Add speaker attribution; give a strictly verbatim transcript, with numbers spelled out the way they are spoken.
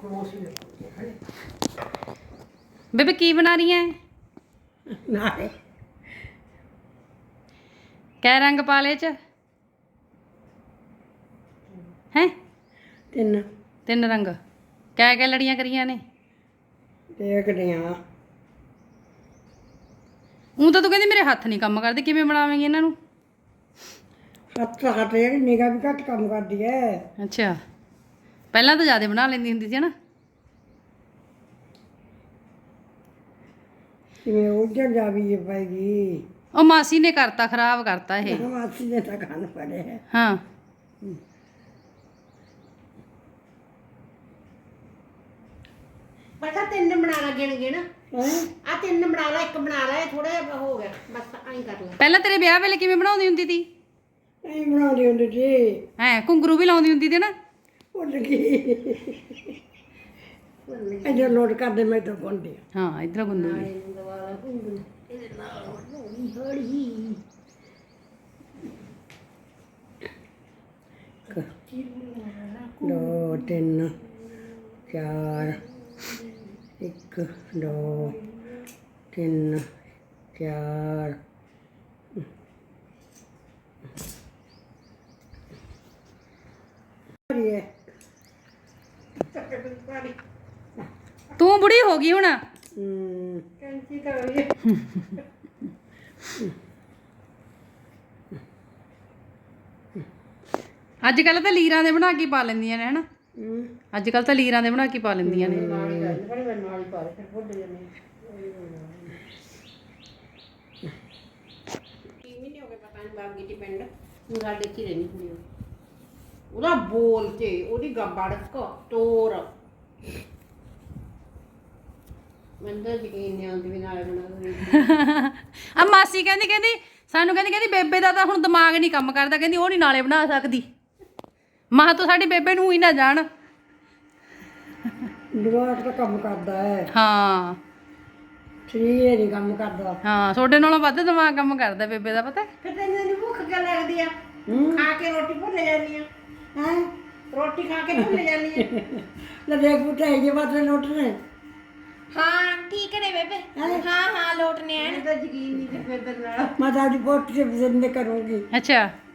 Speaker 1: ਬੇਬੇ ਕੀ ਬਣਾ ਰਹੀ ਹੈ?
Speaker 2: ਨਾਲੇ
Speaker 1: ਕੈ ਰੰਗ ਪਾ ਲਏ ਚ ਹੈ?
Speaker 2: ਤਿੰਨ
Speaker 1: ਤਿੰਨ ਰੰਗ। ਕੈ ਕੈ ਲੜੀਆਂ ਕਰੀਆਂ ਨੇ?
Speaker 2: ਦੇਖਦੇ ਆ।
Speaker 1: ਉਹ ਤਾਂ ਤੂੰ ਕਹਿੰਦੀ ਮੇਰੇ ਹੱਥ ਨਹੀਂ ਕੰਮ ਕਰਦੇ, ਕਿਵੇਂ ਬਣਾਵੇਂਗੀ ਇਹਨਾਂ ਨੂੰ?
Speaker 2: ਹੱਥ ਹੱਥ ਜਿਹੜੀ ਨਿਗਾਹ ਵੀ ਘੱਟ ਕੰਮ ਕਰਦੀ ਹੈ।
Speaker 1: ਅੱਛਾ, ਪਹਿਲਾਂ ਤਾਂ ਜ਼ਿਆਦਾ ਬਣਾ ਲੈਂਦੀ ਹੁੰਦੀ ਸੀ ਨਾ।
Speaker 2: ਕਿਵੇਂ ਉੱਜੜ ਜਾਵੀ ਪਏਗੀ।
Speaker 1: ਉਹ ਮਾਸੀ ਨੇ ਕਰਤਾ, ਖਰਾਬ ਕਰਤਾ ਇਹ।
Speaker 2: ਮਾਸੀ ਨੇ ਤਾਂ ਖਾਣ ਪੜੇ।
Speaker 1: ਹਾਂ
Speaker 3: ਪਤਾ ਤਿੰਨ ਬਣਾ ਲਾ, ਗਿਣ ਗਿਣ
Speaker 2: ਹੈ
Speaker 3: ਆ ਤਿੰਨ ਬਣਾ ਲਾ, ਇੱਕ ਬਣਾ ਲਾ, ਇਹ ਥੋੜਾ ਜਿਹਾ ਹੋ ਗਿਆ ਬਸ, ਐਂ ਕਰ ਲੈ।
Speaker 1: ਪਹਿਲਾਂ ਤੇਰੇ ਵਿਆਹ ਵੇਲੇ ਕਿਵੇਂ ਬਣਾਉਂਦੀ ਹੁੰਦੀ ਸੀ?
Speaker 2: ਨਹੀਂ ਬਣਾਉਂਦੀ ਹੁੰਦੀ ਸੀ।
Speaker 1: ਹੈ ਘੁੰਗਰੂ ਵੀ ਲਾਉਂਦੀ ਹੁੰਦੀ ਸੀ ਨਾ।
Speaker 2: ਭੁੱਲ ਗਈ। ਅਜੇ ਲੋਡ ਕਰਦੇ ਮੈਂ ਤਾਂ ਪਾਉਂਦੀ
Speaker 1: ਹਾਂ ਇਧਰ ਗੁੰਦੂਗੀ।
Speaker 3: ਇਹਨੂੰ ਦਵਾ ਲਾ ਘੁੰਗਰੂ, ਇਹਦੇ ਨਾਲ ਹੌਲੀ ਹੌਲੀ।
Speaker 2: ਦੋ ਤਿੰਨ ਚਾਰ, ਇੱਕ ਦੋ ਤਿੰਨ ਚਾਰ,
Speaker 1: ਤੂੰ ਬੁੜੀ ਹੋ ਗਈ ਹੁਣ।
Speaker 2: ਹਮ
Speaker 3: ਕੈਂਚੀ ਤਾਂ ਹੋਈ
Speaker 1: ਅੱਜ ਕੱਲ ਤਾਂ ਲੀਰਾਂ ਦੇ ਬਣਾ ਕੇ ਪਾ ਲੈਂਦੀਆਂ ਨੇ ਹਨਾ।
Speaker 2: ਹਮ
Speaker 1: ਅੱਜ ਕੱਲ ਤਾਂ ਲੀਰਾਂ ਦੇ ਬਣਾ ਕੇ ਪਾ ਲੈਂਦੀਆਂ ਨੇ।
Speaker 3: ਨਾਲ ਹੀ ਕਰ ਬੜੀ ਵਾਰ ਨਾਲ ਹੀ ਪਾ ਦੇ, ਫਿਰ ਭੁੱਲ ਜਾਂਦੇ। ਕੀ ਮਹੀਨੇ ਹੋ ਗਏ ਪਤਾ ਨਹੀਂ ਬਾਗੀ ਦੀ ਪਿੰਡ, ਹੁਣ ਸਾਡੇ ਚ ਹੀ ਰਹਿੰਦੀ ਕੁੜੀ ਉਹ। ਉਹਦਾ ਬੋਲ ਤੇ ਉਹਦੀ ਗੱਬੜਕ ਤੋਰ ਮੈਨੂੰ ਤਾਂ ਯਕੀਨ ਨਹੀਂ ਆਉਂਦੀ ਵੀ ਨਾਲੇ ਬਣਾ
Speaker 1: ਆ ਮਾਸੀ ਕਹਿੰਦੀ ਕਹਿੰਦੀ ਸਾਨੂੰ ਕਹਿੰਦੀ ਕਹਿੰਦੀ ਬੇਬੇ ਦਾ ਤਾਂ ਹੁਣ ਦਿਮਾਗ ਨਹੀਂ ਕੰਮ ਕਰਦਾ, ਕਹਿੰਦੀ ਉਹ ਨਹੀਂ ਨਾਲੇ ਬਣਾ ਸਕਦੀ। ਮਾਂ ਤੂੰ ਸਾਡੀ ਬੇਬੇ ਨੂੰ ਹੀ ਨਾ ਜਾਣ।
Speaker 2: ਦਿਮਾਗ ਤਾਂ ਕੰਮ ਕਰਦਾ ਹੈ,
Speaker 1: ਹਾਂ
Speaker 2: ਸਰੀਰ ਨਹੀਂ ਕੰਮ ਕਰਦਾ।
Speaker 1: ਹਾਂ ਤੁਹਾਡੇ ਨਾਲੋਂ ਵੱਧ ਦਿਮਾਗ ਕੰਮ ਕਰਦਾ ਬੇਬੇ ਦਾ, ਪਤਾ।
Speaker 3: ਫਿਰ ਤੈਨੂੰ ਇੰਨੀ ਭੁੱਖ ਕਿਉਂ ਲੱਗਦੀ ਆ?
Speaker 2: ਹਮ
Speaker 3: ਖਾ ਕੇ ਰੋਟੀ ਭੁੱਲ ਜਾਂਦੀ ਆ
Speaker 2: ਹੈ
Speaker 3: ਰੋਟੀ ਖਾ ਕੇ ਭੁੱਲ ਜਾਂਦੀ ਆ।
Speaker 2: ਲੈ ਦੇਖ ਬੁੱਢੇ ਜੇ ਬਾਤ ਨੋਟ ਨੇ।
Speaker 4: ਹਾਂ ਠੀਕ ਨੇ ਬੇਬੇ, ਹਾਂ ਹਾਂ ਲੋਟ ਨੇ ਐਨ।
Speaker 3: ਮੈਨੂੰ ਤਾਂ ਯਕੀਨ ਨਹੀਂ ਸੀ ਫਿਰ ਤੇਰੇ ਨਾਲ।
Speaker 2: ਮੈਂ ਤਾਂ ਆਪਣੀ ਪੋਤੀ ਦੇ ਪਸੰਦ ਕਰੂੰਗੀ।
Speaker 1: ਅੱਛਾ